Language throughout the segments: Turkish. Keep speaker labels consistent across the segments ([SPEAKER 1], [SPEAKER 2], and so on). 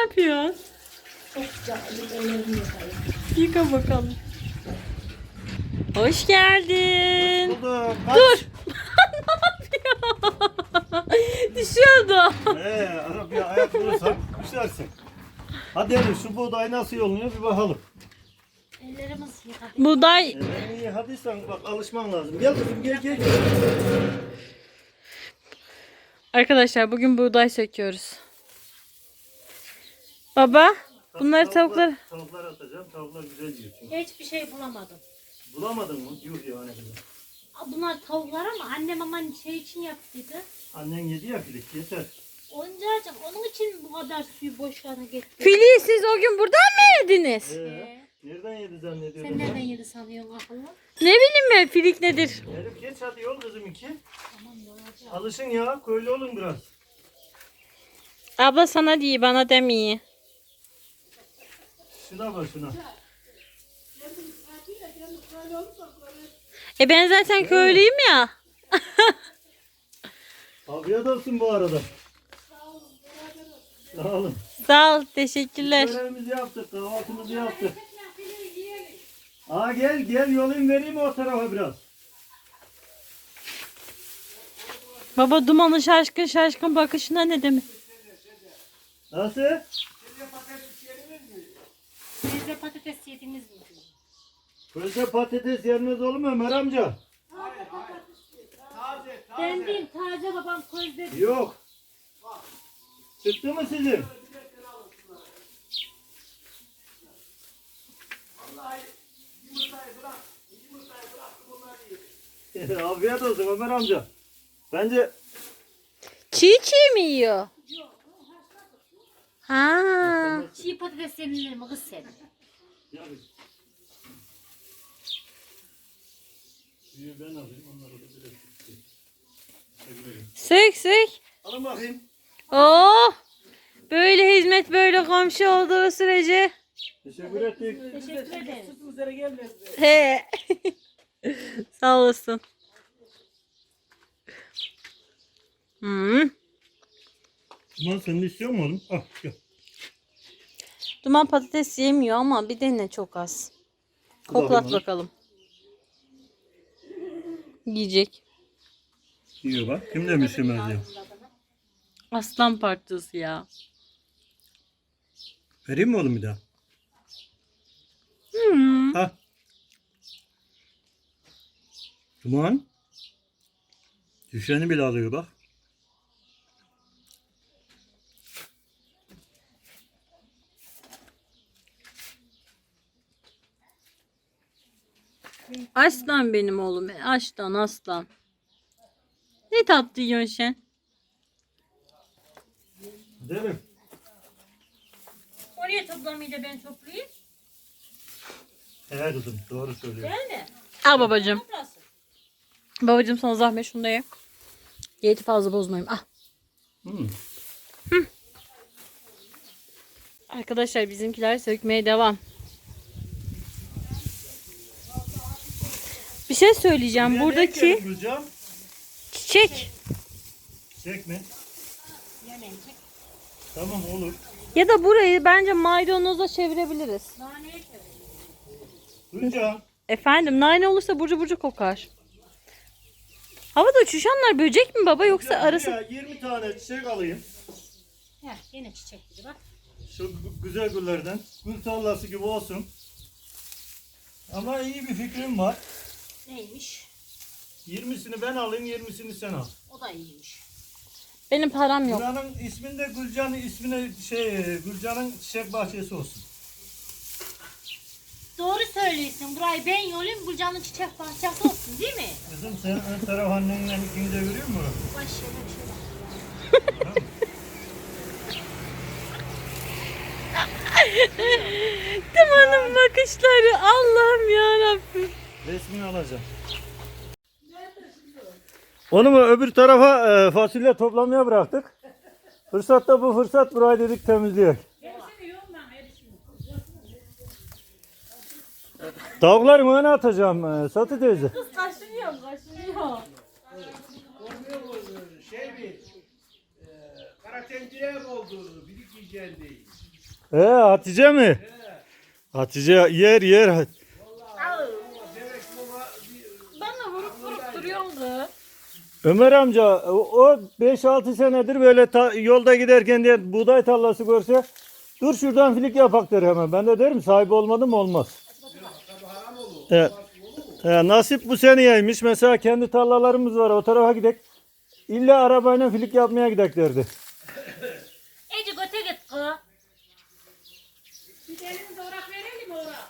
[SPEAKER 1] yapıyorsun?
[SPEAKER 2] Çok sıcak. Ellerimi yıkayayım.
[SPEAKER 1] Yıka bakalım. Hoş geldin.
[SPEAKER 3] Buldum.
[SPEAKER 1] Dur. Düşüyordu.
[SPEAKER 3] Arabaya ayak vurursan düşersin. Hadi hadi şu buğday nasıl yolunuyor bir bakalım.
[SPEAKER 2] Ellerimizi yıkadık.
[SPEAKER 1] Buğday.
[SPEAKER 3] Ellerini yıkadıysan bak alışman lazım. Gel kızım gel.
[SPEAKER 1] Arkadaşlar bugün buğday söküyoruz. Baba, bunları tavuklar...
[SPEAKER 3] Tavuklar atacağım. Tavuklar güzel yiyor çünkü.
[SPEAKER 2] Hiçbir şey bulamadım.
[SPEAKER 3] Bulamadın mı? Yuh ya ne güzel.
[SPEAKER 2] Bunlar tavuklar ama annem aman şey için yaptıydı.
[SPEAKER 3] Annen yedi ya filik yeter.
[SPEAKER 2] Oyuncağım onun için bu kadar suyu boşluğuna getirdi.
[SPEAKER 1] Filiği siz o gün buradan mı yediniz?
[SPEAKER 3] Nereden yedi zannediyorsun?
[SPEAKER 2] Sen nereden yedi sanıyorsun akıllı?
[SPEAKER 1] Ne bileyim ben filik nedir?
[SPEAKER 3] Elif geç hadi yol kızım iki.
[SPEAKER 2] Tamam yolacağım.
[SPEAKER 3] Alışın ya köylü olun biraz.
[SPEAKER 1] Abla sana değil bana demiyor.
[SPEAKER 3] Şuna bak şuna.
[SPEAKER 1] Ben zaten köylüyüm ya.
[SPEAKER 3] Afiyet olsun bu arada. Sağ olun.
[SPEAKER 1] Sağ ol, teşekkürler.
[SPEAKER 3] Görevimizi yaptık, kahvaltımızı yaptık. Aa gel yolun vereyim o tarafa biraz.
[SPEAKER 1] Baba dumanın şaşkın bakışına ne demek?
[SPEAKER 3] Nasıl?
[SPEAKER 2] Sizde patates yediniz mi?
[SPEAKER 3] Közde patates yenmez olur mu Ömer amca?
[SPEAKER 2] Ben değil taze babam közde.
[SPEAKER 3] Yok. Çıktı mı sizin? Afiyet olsun Ömer amca. Bence
[SPEAKER 1] Çiğ mi yiyor? Ha.
[SPEAKER 2] Çiğ patates yenilir mi kız sen?
[SPEAKER 3] ben alayım onları da direkt.
[SPEAKER 1] Sök.
[SPEAKER 3] Alın bakayım.
[SPEAKER 1] Oh. Böyle hizmet böyle komşu olduğu sürece.
[SPEAKER 3] Teşekkür ettik.
[SPEAKER 2] Teşekkür ederim.
[SPEAKER 1] He. Sağ olasın.
[SPEAKER 3] Duman sen de istiyor musun oğlum? Al gel.
[SPEAKER 1] Duman patates yemiyor ama bir dene çok az. Koklat bakalım. Yiyecek.
[SPEAKER 3] Yiyor bak. Kim demiş yemez diyor.
[SPEAKER 1] Aslan parçası ya.
[SPEAKER 3] Vereyim mi oğlum bir daha? Ha. Duman. Düşeni bile alıyor bak.
[SPEAKER 1] Aslan benim oğlum. Aslan. Ne tatlı yiyorsun sen?
[SPEAKER 3] Değil mi?
[SPEAKER 2] Oraya toplamayı da ben toplayayım.
[SPEAKER 3] Evet kızım doğru söylüyor.
[SPEAKER 2] Değil mi?
[SPEAKER 1] Al babacığım.
[SPEAKER 2] Toplasın.
[SPEAKER 1] Babacığım sana zahmet şunu da ye. Diyeti fazla bozmayayım. Ah. Arkadaşlar bizimkiler sökmeye devam. Bir şey söyleyeceğim. Buradaki çiçek
[SPEAKER 3] Çiçek mi?
[SPEAKER 2] Yemeyecek.
[SPEAKER 3] Tamam olur.
[SPEAKER 1] ya da burayı bence maydanoza çevirebiliriz.
[SPEAKER 2] Naneye çevir.
[SPEAKER 3] Gülcan.
[SPEAKER 1] Efendim nane olursa burcu burcu kokar. Havada uçuşanlar böcek mi baba yoksa arası?
[SPEAKER 3] Ya 20 tane çiçek alayım.
[SPEAKER 2] Heh, yine çiçek gibi bak.
[SPEAKER 3] Şu güzel güllerden. Gül tarlası gibi olsun. Ama iyi bir fikrim var.
[SPEAKER 2] Neymiş?
[SPEAKER 3] 20'sini ben alayım, 20'sini sen al.
[SPEAKER 2] O da iyiymiş.
[SPEAKER 1] Benim param yok.
[SPEAKER 3] Buranın isminde Gülcan'ın ismine Gülcan'ın çiçek bahçesi olsun.
[SPEAKER 2] Doğru söylüyorsun. Burayı ben yolayım. Gülcan'ın çiçek bahçesi olsun değil mi?
[SPEAKER 3] Kızım sen ön taraf annenle ikiniz de görüyor musun?
[SPEAKER 2] Baş şöyle bir şey bak.
[SPEAKER 1] Dumanın bakışları Allah'ım yarabbim.
[SPEAKER 3] Resmini alacağım. Onu mu öbür tarafa fasulye toplamaya bıraktık. Fırsatta bu fırsat burayı dedik temizliyor. Tavukları mı öne atacağım Satı teyze?
[SPEAKER 1] Kaşınıyor.
[SPEAKER 4] Kara tencere mi oldu? Birik yiyeceğin değil.
[SPEAKER 3] Hatice mi? Hatice yer.
[SPEAKER 4] Demek baba
[SPEAKER 2] Bana vurup duruyordu.
[SPEAKER 3] Ömer amca o 5-6 senedir böyle yolda giderken diye buğday tarlası görse dur şuradan filik yapak der hemen. Ben de derim sahibi olmadı mı olmaz. Evet. Nasip bu seneyeymiş. Mesela kendi tarlalarımız var o tarafa gidek. İlla arabayla filik yapmaya gidek derdi.
[SPEAKER 2] Ece göte git kız.
[SPEAKER 5] Bir elini doğrak verelim mi ora?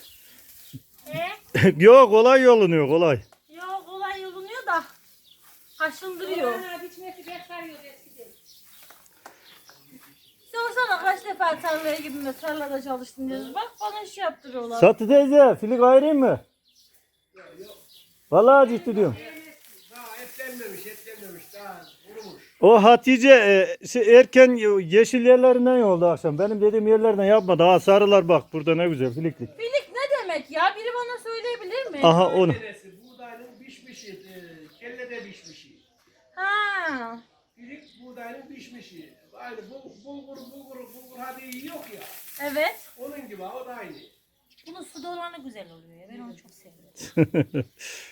[SPEAKER 3] Yok kolay yolunuyor kolay.
[SPEAKER 2] Yok kolay yolunuyor da. Kaşındırıyor.
[SPEAKER 5] Bana biçmesi bekliyor eskiden.
[SPEAKER 2] Sorsana kaç defa tarlaya gittin de tarlada çalıştın diyoruz. Bak bana iş yaptırıyorlar.
[SPEAKER 3] Satı teyze filik ayırayım mı? Vallahi ciddi diyorum.
[SPEAKER 4] daha etlenmemiş daha kurumuş.
[SPEAKER 3] O Hatice erken yeşil yerlerinden yoldu akşam. Benim dediğim yerlerden yapma. Daha sarılar bak burada ne güzel filiklik.
[SPEAKER 2] Filik ne demek ya? Biri bana söyleyebilir mi?
[SPEAKER 3] Aha onu.
[SPEAKER 4] Neresi? Buğdayın pişmişi, kelle de pişmişi.
[SPEAKER 2] Ha.
[SPEAKER 4] Birik buğdayın pişmişi. Aynı bulgur hadi yok ya.
[SPEAKER 2] Evet.
[SPEAKER 4] Onun gibi o da aynı.
[SPEAKER 2] Bunun su dolanı güzel oluyor ya. Ben onu çok seviyorum.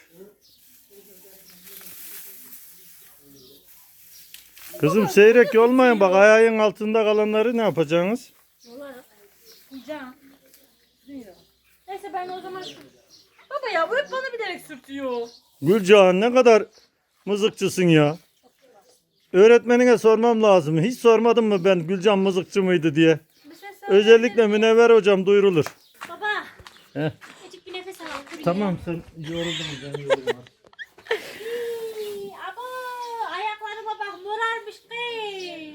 [SPEAKER 3] Kızım seyrek olmayın bak ayağın altında kalanları ne yapacaksınız?
[SPEAKER 2] Olarak. Yiyeceğim. Buyur. Neyse ben o zaman Baba ya bu hep bana bilerek sürtüyor.
[SPEAKER 3] Gülcan ne kadar mızıkçısın ya. Öğretmenine sormam lazım. Hiç sormadım mı ben Gülcan mızıkçı mıydı diye.
[SPEAKER 2] Bir şey söyle.
[SPEAKER 3] Özellikle Münevver hocam duyurulur.
[SPEAKER 2] Baba.
[SPEAKER 3] Heh.
[SPEAKER 2] Küçük bir nefes al. Dur
[SPEAKER 3] Tamam sen yoruldun ben yoruldum.
[SPEAKER 2] Aba ayaklarıma bak morarmış kız.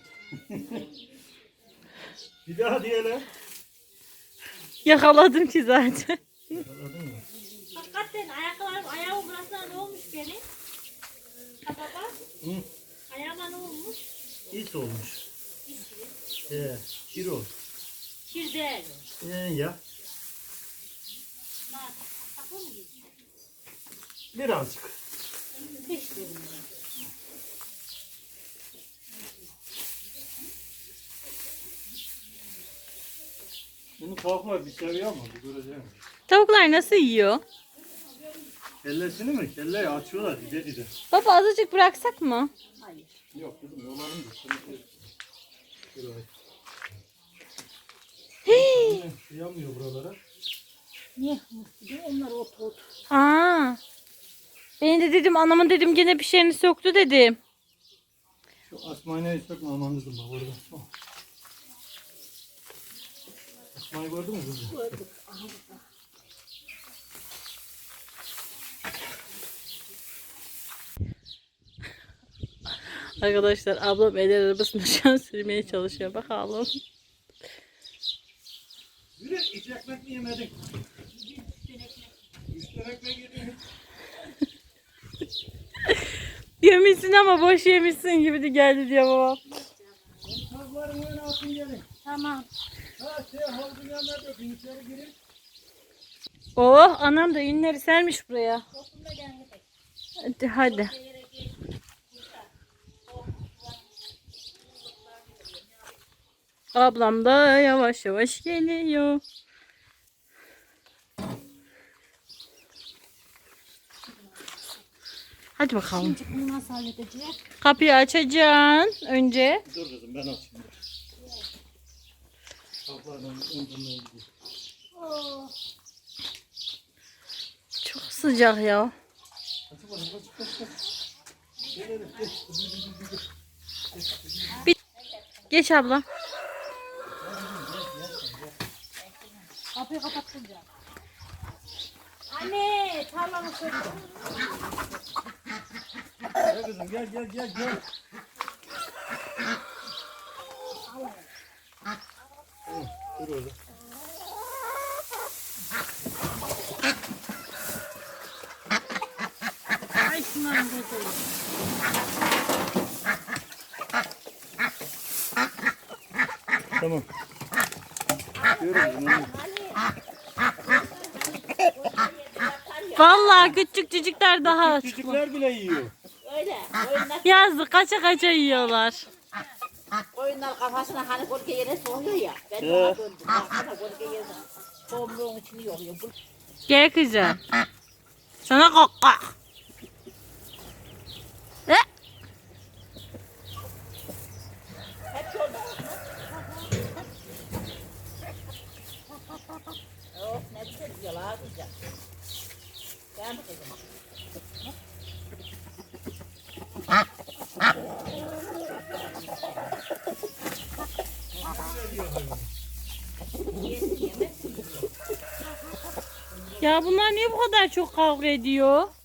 [SPEAKER 3] Bir daha diyelim.
[SPEAKER 1] Yakaladım ki zaten.
[SPEAKER 2] Hakikaten ayağımın burasına ne olmuş benim? Ha baba.
[SPEAKER 3] Hı.
[SPEAKER 2] Ayağıma ne olmuş?
[SPEAKER 3] İç olmuş. Kir olmuş.
[SPEAKER 2] Kir değil.
[SPEAKER 3] Ya.
[SPEAKER 2] Bak, saklı mı gidiyor?
[SPEAKER 3] Birazcık.
[SPEAKER 2] Beş dedim.
[SPEAKER 3] Bunu kalkma bir seviyor mu? Bir göreceğim.
[SPEAKER 1] Tavuklar nasıl yiyor?
[SPEAKER 3] Kellesini mi? Kelleyi açıyorlar dide.
[SPEAKER 1] Baba azıcık bıraksak mı?
[SPEAKER 3] Yok kızım yolarım da. Şuraya. Yamıyor buralara.
[SPEAKER 2] Niye? Onlar ot.
[SPEAKER 1] Aa. Ben de dedim anamın dedim gene bir şeyini söktü dedim.
[SPEAKER 3] Şu asmayı sökme aman kızım bak orada. Asmayı gördün mü kızım?
[SPEAKER 2] Gördük.
[SPEAKER 1] Arkadaşlar ablam el arabasını şu an sürmeye çalışıyor. Bakalım.
[SPEAKER 3] Yürü hiç ekmek mi yemedin? 3 tane ekmek yedin.
[SPEAKER 1] Yemişsin ama boş yemişsin gibi de geldi diyor babam.
[SPEAKER 3] Tavukların önüne atın gelin.
[SPEAKER 2] Tamam.
[SPEAKER 3] Havuzun yanına dökün içeri girin.
[SPEAKER 1] Oh anam da ünleri sermiş buraya. Hadi. Ablam da yavaş yavaş geliyor. Hadi bakalım.
[SPEAKER 2] Bunu nasıl halledeceğiz?
[SPEAKER 1] Kapıyı açacaksın önce.
[SPEAKER 3] Dur kızım ben açayım. Tavuklardan önden gideyim.
[SPEAKER 2] Oh.
[SPEAKER 1] Çok sıcak ya. Geç abla.
[SPEAKER 2] Kapıyı kapattım ya. Anne tarlamı söktüm.
[SPEAKER 3] Gel kızım gel. Dur orada.
[SPEAKER 2] Ay şunların koyayım.
[SPEAKER 3] Tamam. Görüyoruz.
[SPEAKER 1] Vallahi küçük çocuklar daha
[SPEAKER 3] Çocuklar bile yiyor.
[SPEAKER 2] Öyle.
[SPEAKER 1] yazdı kaça kaça yiyorlar.
[SPEAKER 6] koyunlar kafasına hani gölge yere soğuyor ya. Ben de ona döndüm. Baksana gölge yerine. Tohumluğun içini yoruyor.
[SPEAKER 1] Gel kızım. Sana kokak.
[SPEAKER 6] Hep yolda. Oh ne güzel diyorlar güzel. Ben mi kızım?
[SPEAKER 1] Ya bunlar niye bu kadar çok kavga ediyor?